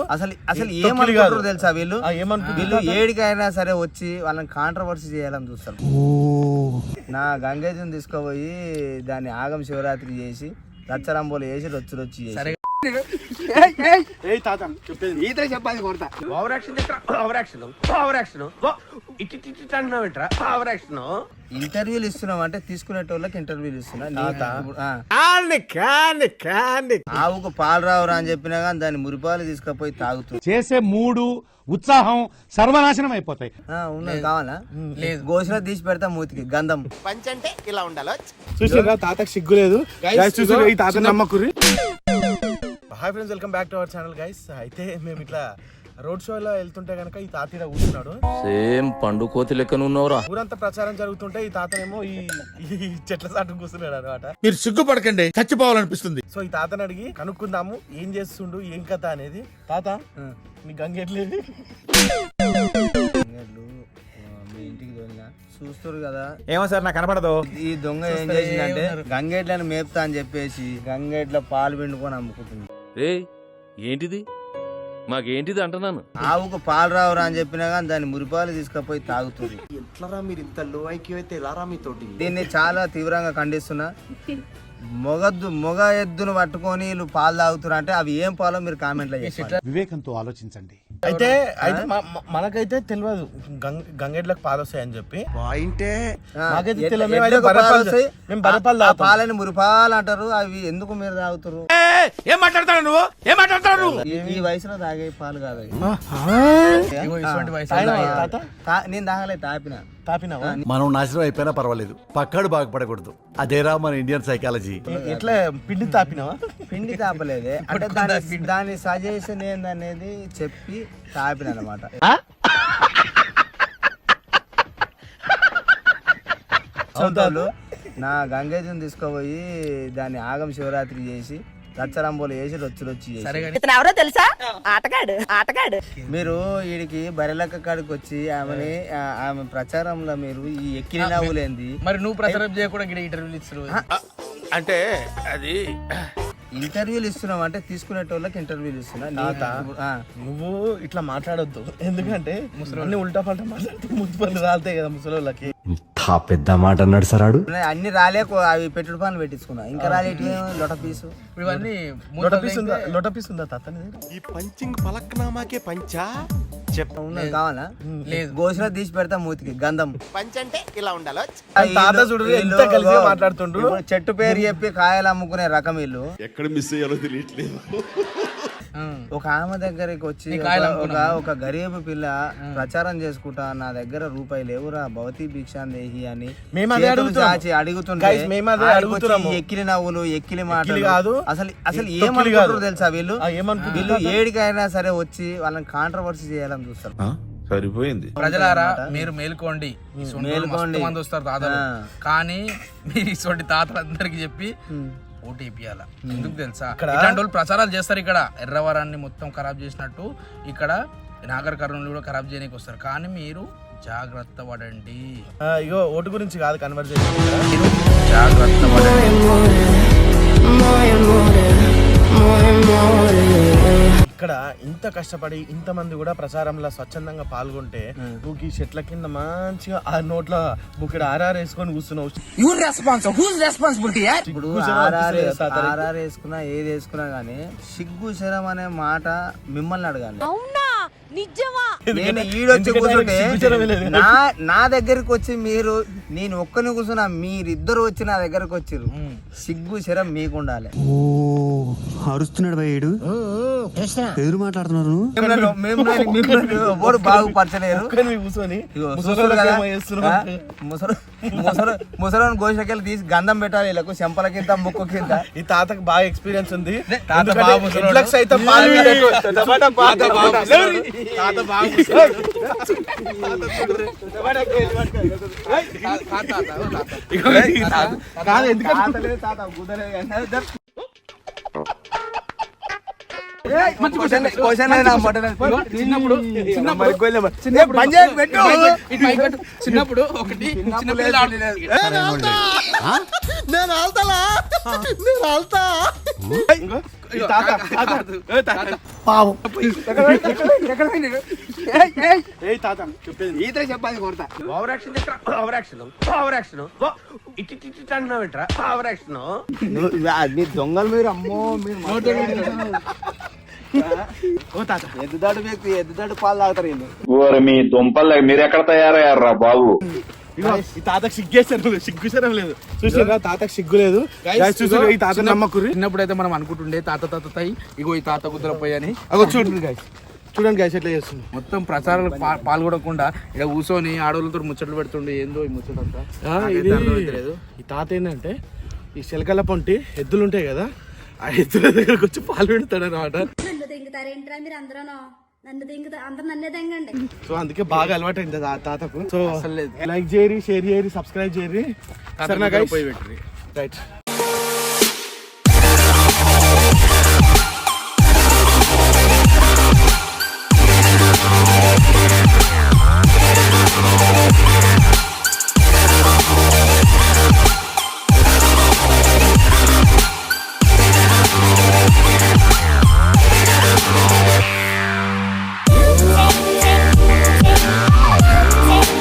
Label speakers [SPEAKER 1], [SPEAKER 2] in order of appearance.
[SPEAKER 1] అసలు అసలు ఏమనుకుంటారో తెలుసా వీళ్ళు ఏడికైనా సరే వచ్చి వాళ్ళని కాంట్రవర్సీ చేయాలని చూస్తారు. నా గంగేజం తీసుకుపోయి దాన్ని ఆగం శివరాత్రి చేసి రచ్చరంబోలు వేసి రొచ్చి చేసి ఇంటర్వ్యూలు ఇస్తున్నావు అంటే తీసుకునేటోళ్ళకి ఇంటర్వ్యూలు ఇస్తున్నా. ఆవుకు పాలు రావురా అని చెప్పినా కానీ దాన్ని మురిపాలు తీసుకుపోయి తాగుతుంది.
[SPEAKER 2] చేసే మూడు ఉత్సాహం సర్వనాశనం అయిపోతాయి.
[SPEAKER 1] ఉన్నది కావాలా? లేదు, గోసిన తీసి పెడతా మూతికి గంధం.
[SPEAKER 3] పంచంటే ఇలా ఉండాలి.
[SPEAKER 4] చూసారా తాతకు సిగ్గు లేదు. ఈ తాత నమ్మకుర్రి. Hi friends, welcome back to our channel guys. అయితే మేము ఇట్లా రోడ్ షోలో వెళ్తుంటే గనక ఈ తాత ఇక్కడ కూర్చున్నాడు.
[SPEAKER 5] సేమ్ పండు కోతి లెక్కన ఉన్నవరా.
[SPEAKER 4] ఊరంతా ప్రచారం జరుగుతుంటే ఈ తాతనేమో ఈ చెట్ల సాటు కూర్చున్నాడు అనమాట.
[SPEAKER 6] మీరు సిగ్గుపడకండి, చచ్చిపోవాలనిపిస్తుంది.
[SPEAKER 4] సో ఈ తాతని అడిగి కనుక్కుందాము ఏం చేస్తుండు, ఏం కథ అనేది. తాత నీ గంగెట్లేదు
[SPEAKER 1] మీ ఇంటికి దొంగ చూస్తారు కదా.
[SPEAKER 2] ఏమో సార్ నాకు కనపడదు.
[SPEAKER 1] ఈ దొంగ ఏం చేసిందంటే గంగేట్లను మేపుతా అని చెప్పేసి గంగేట్ల పాలు పిండుకొని అమ్ముకుంటుంది.
[SPEAKER 5] ఏంటిది మాకేంటిది అంటున్నాను.
[SPEAKER 1] ఆవుకు పాలు రావురా అని చెప్పినా కానీ దాన్ని మురిపాలు తీసుకుపోయి తాగుతుంది.
[SPEAKER 3] ఎట్లరా మీరు ఇంత లో ఐక్యూ అయితే ఎలారా మీతోటి?
[SPEAKER 1] దీన్ని చాలా తీవ్రంగా ఖండిస్తున్నా. మొగ ఎద్దును పట్టుకొని వీళ్ళు పాలు తాగుతున్నారు అంటే అవి ఏం పాలో మీరు కామెంట్లో చేస్తారు.
[SPEAKER 2] వివేకంతో ఆలోచించండి.
[SPEAKER 4] అయితే మనకైతే తెలియదు గంగెడ్లకు పాలు వస్తాయని చెప్పి.
[SPEAKER 1] పాలని మురిపాలు అంటారు. అవి ఎందుకు మీరు తాగుతారు?
[SPEAKER 6] ఏం మాట్లాడతాడు నువ్వు? ఏం మాట్లాడతాడు?
[SPEAKER 1] ఈ వయసులో తాగే పాలు కాదు. నేను తాగలేదు,
[SPEAKER 4] తాపినావా?
[SPEAKER 7] మనం నాశనం అయిపోయినా పర్వాలేదు, పక్కాడు బాగుపడకూడదు. అదేరా మన ఇండియన్ సైకాలజీ.
[SPEAKER 4] ఎట్లా పిండి తాపినావా?
[SPEAKER 1] పిండి తాపలేదే, అంటే దాని సజెషన్ ఏందనేది చెప్పి తాపిన అనమాట. నా గంగేజం తీసుకుపోయి దాన్ని ఆగం శివరాత్రి చేసి రచ్చరంబోలు వేసి రొచ్చి చేసి
[SPEAKER 8] ఎవరో తెలుసా? ఆటగాడు.
[SPEAKER 1] మీరు వీడికి బరిలక్క కాడికి వచ్చి ఆమె ప్రచారంలో మీరు ఈ ఎక్కిన నవ్వులేంది.
[SPEAKER 9] మరి నువ్వు ప్రచారం చేయకుండా ఇంటర్వ్యూలు ఇస్తున్నావు
[SPEAKER 6] అంటే అది
[SPEAKER 1] ఇంటర్వ్యూలు ఇస్తున్నావు అంటే తీసుకునేటోళ్ళకి ఇంటర్వ్యూలు ఇస్తున్నా.
[SPEAKER 4] నువ్వు ఇట్లా మాట్లాడొద్దు, ఎందుకంటే ముసలి ఉల్టా పల్టా మాట్లాడితే ముద్దు రాలుతాయి కదా ముసలి.
[SPEAKER 7] పెద్ద మాట అన్నాడు సరాడు.
[SPEAKER 1] అన్ని రాలే, అవి పెట్టుడు పనులు పెట్టించుకున్నా. ఇంకా రాలేటి లొట పీసు.
[SPEAKER 9] ఇవన్నీ
[SPEAKER 4] లొట పీసు ఉందా తాత?
[SPEAKER 3] ఈ పంచింగ్ పలక్నామాకే పంచా
[SPEAKER 1] ఉన్నది కావాలా? లేదు, గోసిన తీసి పెడతా మూతికి గంధం.
[SPEAKER 3] పంచంటే ఇలా ఉండాలి.
[SPEAKER 4] తాత చూడు ఎంత కలిసి మాట్లాడుతుండ్రు.
[SPEAKER 1] చెట్టు పేరు చెప్పి కాయలు అమ్ముకునే రకం వీళ్ళు.
[SPEAKER 6] ఎక్కడ మిస్ అయ్యారో తెలియట్లేదు.
[SPEAKER 1] ఒక ఆమె దగ్గరికి వచ్చి ఒక గరీబు పిల్ల ప్రచారం చేసుకుంటా, నా దగ్గర రూపాయి లేవురా భవతి భిక్షాందేహి అని అడుగుతుంటే ఎక్కిలి నవ్వులు ఎక్కిలి మాటలు కాదు. అసలు ఏమనుకుంటారో తెలుసా వీళ్ళు ఏడికైనా సరే వచ్చి వాళ్ళని కాంట్రవర్సీ చేయాలని చూస్తారు.
[SPEAKER 6] సరిపోయింది.
[SPEAKER 9] ప్రజలారా మీరు మేల్కోండి, మంది వస్తారు తాతలు. కానీ మీరు ఇటువంటి తాతలందరికి చెప్పి ఓటీపీయాల. ఎందుకు తెలుసా? ఇలాంటి వాళ్ళు ప్రచారాలు చేస్తారు. ఇక్కడ ఎర్రవరాన్ని మొత్తం ఖరాబ్ చేసినట్టు ఇక్కడ నాగర్ కర్నూలు కూడా ఖరాబ్ చేయడానికి వస్తారు. కానీ మీరు జాగ్రత్త పడండి.
[SPEAKER 4] ఇగో ఓటు గురించి కాదు కన్వర్జేషన్,
[SPEAKER 9] జాగ్రత్త పడండి.
[SPEAKER 4] ఇక్కడ ఇంత కష్టపడి ఇంతమంది కూడా ప్రచారంలో స్వచ్ఛందంగా పాల్గొంటే నువ్వు ఈ చెట్ల కింద మంచిగా ఆ నోట్లో బుక్కడ ఆర్ఆర్ వేసుకొని కూర్చున్నావు.
[SPEAKER 1] ఇప్పుడు ఆర్ఆర్ వేసుకున్నా ఏది వేసుకున్నా గానీ సిగ్గు శరం అనే మాట మిమ్మల్ని అడగాలి. నేను ఈడొచ్చి కూర్చుంటే నా దగ్గరికి వచ్చి మీరు నేను ఒక్కని కూర్చున్నా, మీరిద్దరు వచ్చి నా దగ్గరకు వచ్చిర్రు. సిగ్గు శరం మీకు ఉండాలి.
[SPEAKER 7] అరుస్తున్నాడు భయ్యుడు, ఎదురు మాట్లాడుతున్నారు.
[SPEAKER 1] బాగుపరచలేరు. ముసలి గోషకెళ్ళి తీసి గంధం పెట్టాలి వీళ్ళకు, చెంపల కింద ముక్కు కింద.
[SPEAKER 4] ఈ తాతకు బాగా ఎక్స్పీరియన్స్ ఉంది.
[SPEAKER 9] చిన్నప్పుడు ఒకటి
[SPEAKER 3] నేను వెళ్తాలా నేను వెళ్తా
[SPEAKER 4] ఇంకో, ఈ తాత, తాత, ఏ తాత.
[SPEAKER 1] పావు
[SPEAKER 4] ఏ తాత చెప్పేది
[SPEAKER 1] ఈత చెప్పాలి కొడతా
[SPEAKER 6] over action over action over action ఇట్టి ఇట్టి అంటున్నావు ఏంట్రా ఓవర్ యాక్షన్
[SPEAKER 1] నీ దొంగలు మీరు అమ్మో మీరు
[SPEAKER 4] ఓ తాత
[SPEAKER 1] ఎద్దుదాడు వ్యక్తి ఎద్దుదాడు పాలు తాగుతారు వీళ్ళు.
[SPEAKER 2] మీ దుంపల్ మీరెక్కడ తయారయ్యారా బాబు?
[SPEAKER 4] ఇగో, ఈ తాతకు సిగ్గుసరం లేదు చూసిరా, తాతకు సిగ్గు లేదు. Guys, చూసిరా, ఈ తాత నమ్మకుర్రి.
[SPEAKER 9] చిన్నప్పుడు అయితే మనం అనుకుంటుండే తాత తాత తాయి ఇగో ఈ తాత కుదరపోయి అని
[SPEAKER 4] అగో చూడండి guys, చూడండి guys ఎట్లా చేస్తుంది.
[SPEAKER 9] మొత్తం ప్రచారాలు పాల్గొనకుండా ఇక్కడ కూర్చొని ఆడవాళ్ళతో ముచ్చట్లు పెడుతుండే ఏందో ఈ ముచ్చటంతా
[SPEAKER 4] ఇది ఈ తాత ఏంటంటే ఈ శిలకల పొంటి ఎద్దులు ఉంటాయి కదా, ఆ ఎద్దుల దగ్గరకు వచ్చి పాలు పెడతాడు అనమాట.
[SPEAKER 8] నన్ను దింగుతారేంట్రా మీరు అందరూ నన్ను దింగుతా అందరు నన్నే దింగండి.
[SPEAKER 4] సో అందుకే బాగా అలవాటు అయింది ఆ తాతకు. సో లైక్ చేయరి, షేర్ చేయరి, సబ్స్క్రైబ్ చేయరి. సరేనా guys?
[SPEAKER 9] పోయి పెట్టి
[SPEAKER 4] రైట్.